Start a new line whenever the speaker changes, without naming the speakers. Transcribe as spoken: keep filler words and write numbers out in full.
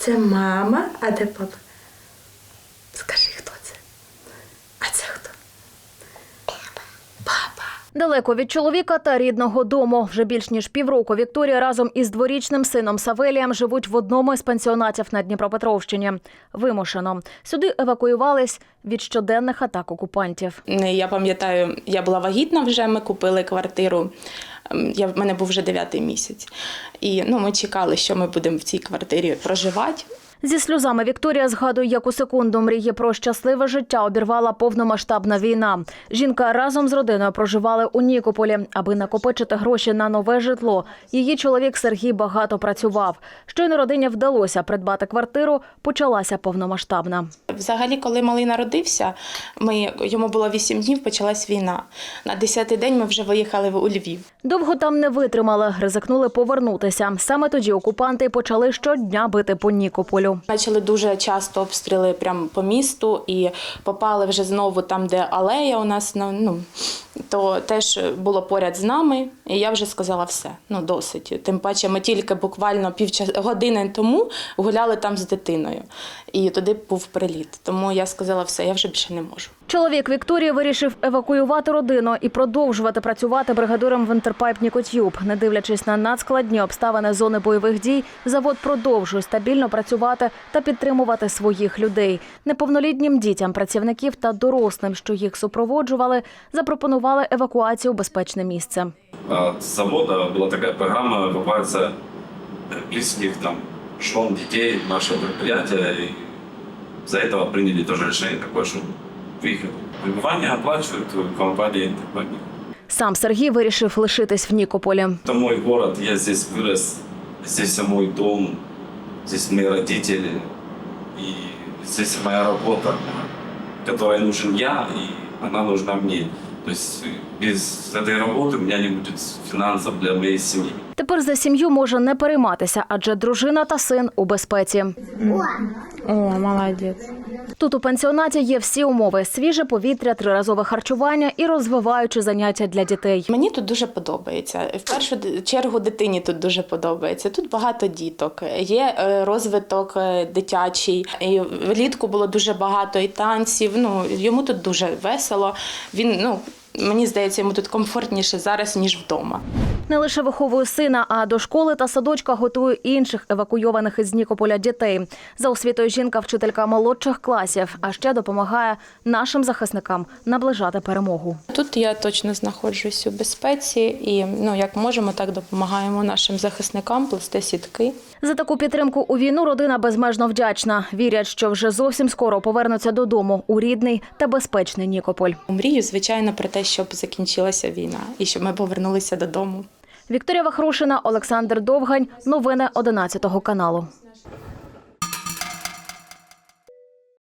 Це мама, а де папа? Скажи, хто це? А це хто? Папа. Папа.
Далеко від чоловіка та рідного дому. Вже більш ніж півроку Вікторія разом із дворічним сином Савелієм живуть в одному із пансіонатів на Дніпропетровщині. Вимушено. Сюди евакуювались від щоденних атак окупантів.
Я пам'ятаю, я була вагітна вже, ми купили квартиру. Я, в мене був вже дев'ятий місяць. І ну, ми чекали, що ми будемо в цій квартирі проживати.
Зі сльозами Вікторія згадує, як у секунду мрії про щасливе життя обірвала повномасштабна війна. Жінка разом з родиною проживали у Нікополі, аби накопичити гроші на нове житло. Її чоловік Сергій багато працював. Щойно родині вдалося придбати квартиру, почалася повномасштабна.
Взагалі, коли малий народився, ми, йому було вісім днів, почалась війна. На десятий день ми вже виїхали у Львів.
Довго там не витримали, ризикнули повернутися. Саме тоді окупанти почали щодня бити по Нікополю.
Почали дуже часто обстріли прямо по місту і попали вже знову там, де алея у нас, ну, то теж було поряд з нами. І я вже сказала все, ну досить. Тим паче ми тільки буквально півгодини тому гуляли там з дитиною. І туди був приліт. Тому я сказала все, я вже більше не можу.
Чоловік Вікторії вирішив евакуювати родину і продовжувати працювати бригадиром в Інтерпайп Нікотюб. Не дивлячись на надскладні обставини зони бойових дій, завод продовжує стабільно працювати та підтримувати своїх людей. Неповнолітнім дітям, працівників та дорослим, що їх супроводжували, запропонували евакуацію в безпечне місце.
От завода була така програма евакуація близьких там жен, дітей, нашего предприятия. И за этого приняли тоже решение такое, что их пребывание оплачивают компания Интерпайп.
Сам Сергій вирішив лишитись в Нікополі.
Это мой город, я здесь вырос, здесь мой дом, здесь мои родители, и здесь моя работа, которой нужен я, и она нужна мне. То есть без этой работы у меня не будет финансов для моей семьи.
Тепер за сім'ю може не перейматися, адже дружина та син у безпеці.
О, молодець.
Тут у пансіонаті є всі умови – свіже повітря, триразове харчування і розвиваючі заняття для дітей.
Мені тут дуже подобається. В першу чергу дитині тут дуже подобається. Тут багато діток, є розвиток дитячий. І влітку було дуже багато і танців. Ну, йому тут дуже весело. Він, ну, мені здається, йому тут комфортніше зараз, ніж вдома.
Не лише виховує сина, а до школи та садочка готує інших евакуйованих із Нікополя дітей. За освітою жінка – вчителька молодших класів, а ще допомагає нашим захисникам наближати перемогу.
Тут я точно знаходжусь у безпеці і, ну, як можемо, так допомагаємо нашим захисникам плести сітки.
За таку підтримку у війну родина безмежно вдячна. Вірять, що вже зовсім скоро повернуться додому у рідний та безпечний Нікополь.
Мрію, звичайно, про те, щоб закінчилася війна і щоб ми повернулися додому.
Вікторія Вахрушина, Олександр Довгань. Новини одинадцятого каналу.